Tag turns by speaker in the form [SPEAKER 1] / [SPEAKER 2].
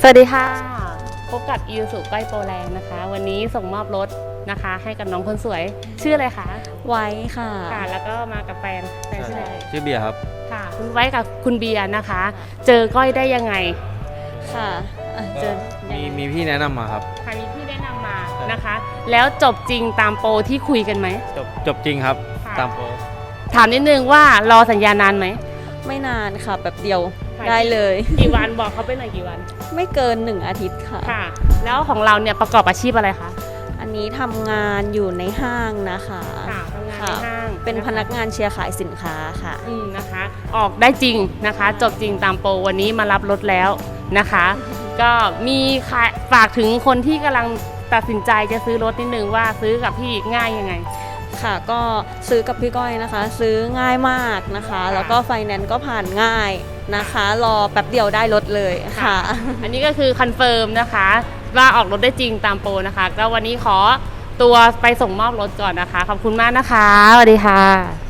[SPEAKER 1] สวัสดีค่ะพบกับอิวสุก้อยโปรแรงนะคะวันนี้ส่งมอบรถนะคะให้กับน้องคนสวยชื่ออะไรคะ
[SPEAKER 2] ไว้ค่ะ
[SPEAKER 1] แล้วก็มากับแฟนชื่ออะไร
[SPEAKER 3] ชื่อเบียร์ครับ
[SPEAKER 1] ค่ะคุณไว้กับคุณเบียร์นะคะเจอก้อยได้ยังไง
[SPEAKER 2] ค่ะ
[SPEAKER 3] เจอมีพี่แนะนำมาครับ
[SPEAKER 1] ค่ะมีพี่แนะนำมานะคะแล้วจบจริงตามโปรที่คุยกันไหม
[SPEAKER 3] จบจริงครับตามโปร
[SPEAKER 1] ถามนิดนึงว่ารอสัญญานานไหม
[SPEAKER 2] ไม่นานค่ะแบบเดียวได้เลย
[SPEAKER 1] กี่วันบอกเขาไปหน่อยกี่วัน
[SPEAKER 2] ไม่เกิน1 อาทิตย์ค่ะ
[SPEAKER 1] แล้วของเราเนี่ยประกอบอาชีพอะไรคะ
[SPEAKER 2] อันนี้ทำงานอยู่ในห้างนะคะ
[SPEAKER 1] ทำงานในห้าง
[SPEAKER 2] เป็นพนักงานเชียร์ขายสินค้าค่ะ
[SPEAKER 1] นะคะออกได้จริงนะคะจบจริงตามโปรวันนี้มารับรถแล้วนะคะก็มีฝากถึงคนที่กำลังตัดสินใจจะซื้อรถนิดนึงว่าซื้อกับพี่ง่ายยังไง
[SPEAKER 2] ค่ะก็ซื้อกับพี่ก้อยนะคะซื้อง่ายมากนะคะแล้วก็ไฟแนนซ์ก็ผ่านง่ายนะคะรอแป๊บเดียวได้รถเลยค่ะ
[SPEAKER 1] อันนี้ก็คือคอนเฟิร์มนะคะว่าออกรถได้จริงตามโปรนะคะแล้ววันนี้ขอตัวไปส่งมอบรถก่อนนะคะขอบคุณมากนะคะสวัสดีค่ะ